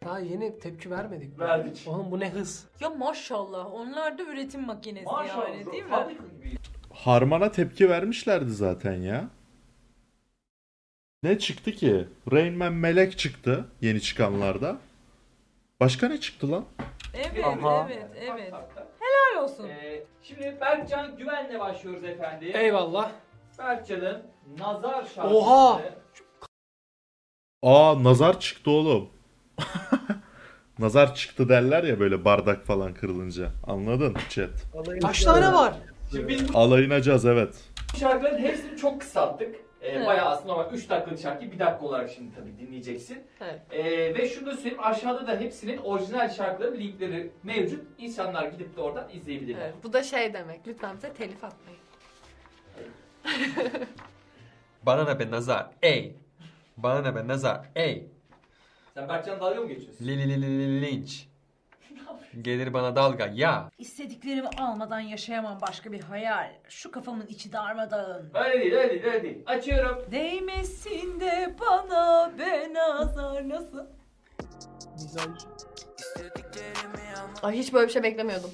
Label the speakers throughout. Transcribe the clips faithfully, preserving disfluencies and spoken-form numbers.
Speaker 1: Daha yeni tepki vermedik.
Speaker 2: Verdik.
Speaker 1: Oğlum bu ne hız.
Speaker 3: Ya maşallah onlar da üretim makinesi
Speaker 2: Maşallah.
Speaker 3: yani değil mi?
Speaker 2: Fabrika gibi.
Speaker 4: Harman'a tepki vermişlerdi zaten ya. Ne çıktı ki? Rain Man Melek çıktı yeni çıkanlarda. Başka ne çıktı lan?
Speaker 3: Evet
Speaker 1: Aha.
Speaker 3: evet evet.
Speaker 2: Tak, tak, tak.
Speaker 3: Helal olsun.
Speaker 2: Ee, şimdi Berkcan Güven'le başlıyoruz efendim.
Speaker 1: Eyvallah.
Speaker 2: Berkcan'ın Nazar şarkısı.
Speaker 1: Oha!
Speaker 4: Aa, nazar çıktı oğlum. Nazar çıktı derler ya böyle bardak falan kırılınca. Anladın chat?
Speaker 1: Kaç tane var?
Speaker 2: Şimdi biz bu
Speaker 4: Alayınacağız evet.
Speaker 2: şarkıların hepsini çok kısalttık. Ee,
Speaker 3: Evet.
Speaker 2: Bayağı aslında ama üç dakikalık şarkıyı bir dakika olarak şimdi tabii dinleyeceksin.
Speaker 3: Evet.
Speaker 2: Ee, ve şunu da söyleyeyim, aşağıda da hepsinin orijinal şarkıların linkleri mevcut. İnsanlar gidip de oradan izleyebilirler.
Speaker 5: Evet, bu da şey demek. Lütfen bize telif atmayın.
Speaker 6: Bana ne be nazar ey. Bana ne be nazar ey.
Speaker 2: Sen Berkcan dalga mı geçiyorsun?
Speaker 6: Li li li li li linç. Gelir bana dalga ya.
Speaker 3: İstediklerimi almadan yaşayamam başka bir hayal. Şu kafamın içi darmadağın.
Speaker 2: Öyle değil, öyle değil, öyle değil. Açıyorum.
Speaker 3: Değmesin de bana be nazar nasıl?
Speaker 5: Ay hiç böyle bir şey beklemiyordum.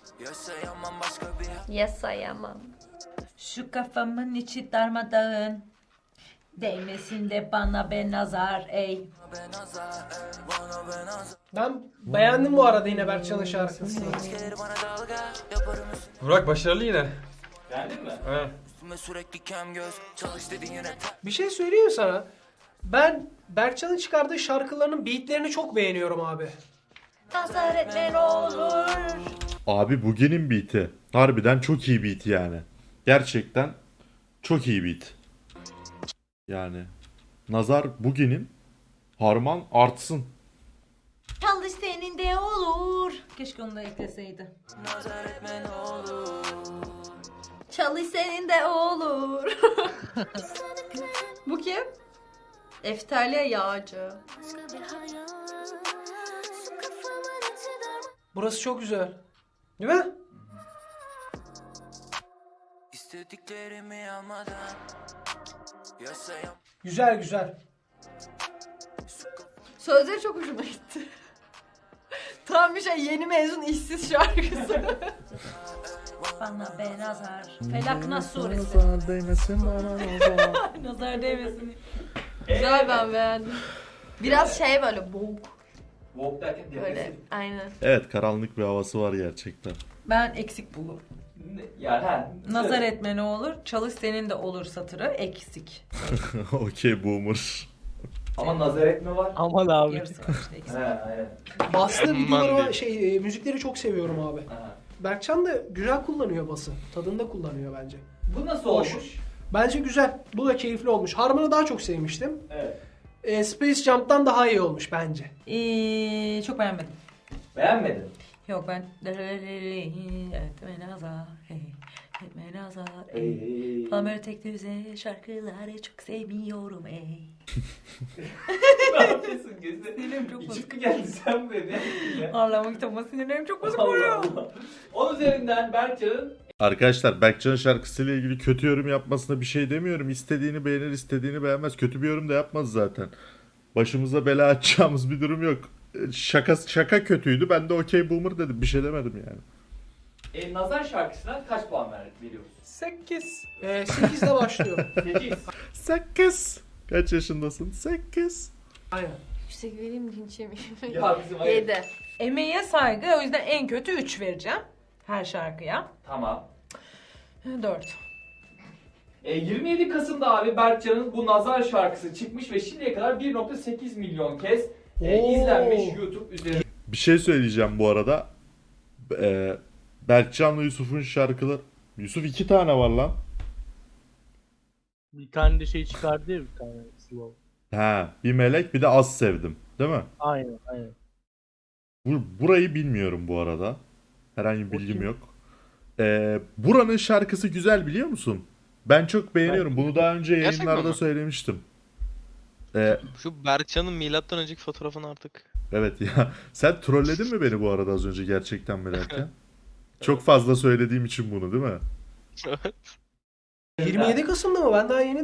Speaker 5: Yaşayamam.
Speaker 3: Şu kafamın içi darmadağın. Değmesin de bana be nazar ey.
Speaker 1: Ben beğendim bu arada yine Berkcan'ın şarkısını.
Speaker 6: Burak başarılı yine.
Speaker 2: Beğendin mi?
Speaker 6: Evet.
Speaker 1: Bir şey söyleyeyim sana. Ben Berkcan'ın çıkardığı şarkılarının beatlerini çok beğeniyorum abi.
Speaker 5: Nazar etme ne olur.
Speaker 4: Abi bugünün beat'i. Harbiden çok iyi beat yani. Gerçekten çok iyi beat. Yani nazar bugünün, harman artsın.
Speaker 3: Çalış senin de olur. Keşke onu da ekleseydi.
Speaker 5: Çalış senin de olur. Bu kim? Eftalya Yağcı.
Speaker 1: Burası çok güzel. Değil mi? Güzel güzel.
Speaker 5: Sözleri çok hoşuma gitti. Tam bir şey yeni mezun işsiz şarkısı.
Speaker 3: Bana be nazar. Felak Nas suresi.
Speaker 4: Nazar değmesin bana nazar.
Speaker 3: Nazar değmesin.
Speaker 5: Güzel, ben beğendim. Biraz şey böyle boğuk.
Speaker 2: Walk derken
Speaker 5: Böyle
Speaker 2: depresif.
Speaker 5: aynen.
Speaker 4: Evet, karanlık bir havası var gerçekten.
Speaker 3: Ben eksik bulurum.
Speaker 2: Ne- Yani ha.
Speaker 3: Nazar etme ne olur. Çalış senin de olur satırı eksik.
Speaker 4: Okey boomer.
Speaker 2: Ama nazar etme var.
Speaker 1: Aman abi.
Speaker 3: Yarısı var işte eksik.
Speaker 2: He, aynen.
Speaker 1: Baslı
Speaker 6: Aman
Speaker 1: videoları var,
Speaker 6: diyeyim.
Speaker 1: şey e, müzikleri çok seviyorum abi.
Speaker 2: Ha.
Speaker 1: Berkcan da güzel kullanıyor bası. Tadında kullanıyor bence.
Speaker 2: Bu nasıl
Speaker 1: Hoş.
Speaker 2: olmuş?
Speaker 1: Bence güzel. Bu da keyifli olmuş. Harman'ı daha çok sevmiştim.
Speaker 2: Evet.
Speaker 1: E, Space Jump'tan daha iyi olmuş bence.
Speaker 3: Ee, çok beğenmedim.
Speaker 2: Beğenmedin.
Speaker 3: Yok ben etme nazar hey, etme nazar
Speaker 2: Ey,
Speaker 3: ey.
Speaker 2: ey, ey.
Speaker 3: Falan böyle tek düze şarkıları çok sevmiyorum ey.
Speaker 2: Ne yapıyorsun gözüne?
Speaker 3: Sinirlerim çok bozuk.
Speaker 2: İçip mi geldi sen be? Ne yaptın ya?
Speaker 3: Ağlama kitabıma sinirlerim çok bozuk
Speaker 2: Allah
Speaker 3: oluyor.
Speaker 2: Allah. On üzerinden Berkcan'ın
Speaker 4: Arkadaşlar, Berkcan'ın şarkısıyla ilgili kötü yorum yapmasına bir şey demiyorum. İstediğini beğenir, istediğini beğenmez. Kötü bir yorum da yapmaz zaten. Başımıza bela açacağımız bir durum yok. Şaka şaka kötüydü. Ben de okey boomer dedim. Bir şey demedim yani.
Speaker 2: e, Nazar şarkısına kaç puan ver, veriyoruz?
Speaker 1: sekiz. E, sekizde başlıyor.
Speaker 2: sekiz.
Speaker 4: sekiz. Kaç yaşındasın? sekiz.
Speaker 1: Aynen.
Speaker 5: Yüksek vereyim mi linç yemeyeyim?
Speaker 2: Ya bizim hayır.
Speaker 5: Yedi.
Speaker 3: Emeğe saygı o yüzden en kötü üç vereceğim. Her şarkıya.
Speaker 2: Tamam.
Speaker 3: dört.
Speaker 2: E, yirmi yedi Kasım'da abi Berkcan'ın bu Nazar şarkısı çıkmış ve şimdiye kadar bir nokta sekiz milyon kez e,
Speaker 1: Oo.
Speaker 2: izlenmiş YouTube üzerinde.
Speaker 4: Bir şey söyleyeceğim bu arada. Ee, Berkcan'la Yusuf'un şarkıları... Yusuf iki tane var lan.
Speaker 7: Bir tane de şey çıkardı ya bir tane slow.
Speaker 4: Ha, bir melek bir de az sevdim. Değil mi?
Speaker 7: Aynen aynen.
Speaker 4: Bu, burayı bilmiyorum bu arada. Herhangi bir bilgim
Speaker 7: kim?
Speaker 4: yok. Ee, buranın şarkısı güzel, biliyor musun? Ben çok beğeniyorum. Bunu daha önce
Speaker 8: Gerçekten
Speaker 4: yayınlarda
Speaker 8: mi?
Speaker 4: söylemiştim. Ee,
Speaker 8: Şu Berkcan'ın milattan önceki fotoğrafını artık.
Speaker 4: evet ya. Sen trolledin mi beni bu arada az önce gerçekten mi derken? Çok fazla söylediğim için bunu, değil mi?
Speaker 8: Evet.
Speaker 1: yirmi yedi Kasım'da mı? Ben daha yeni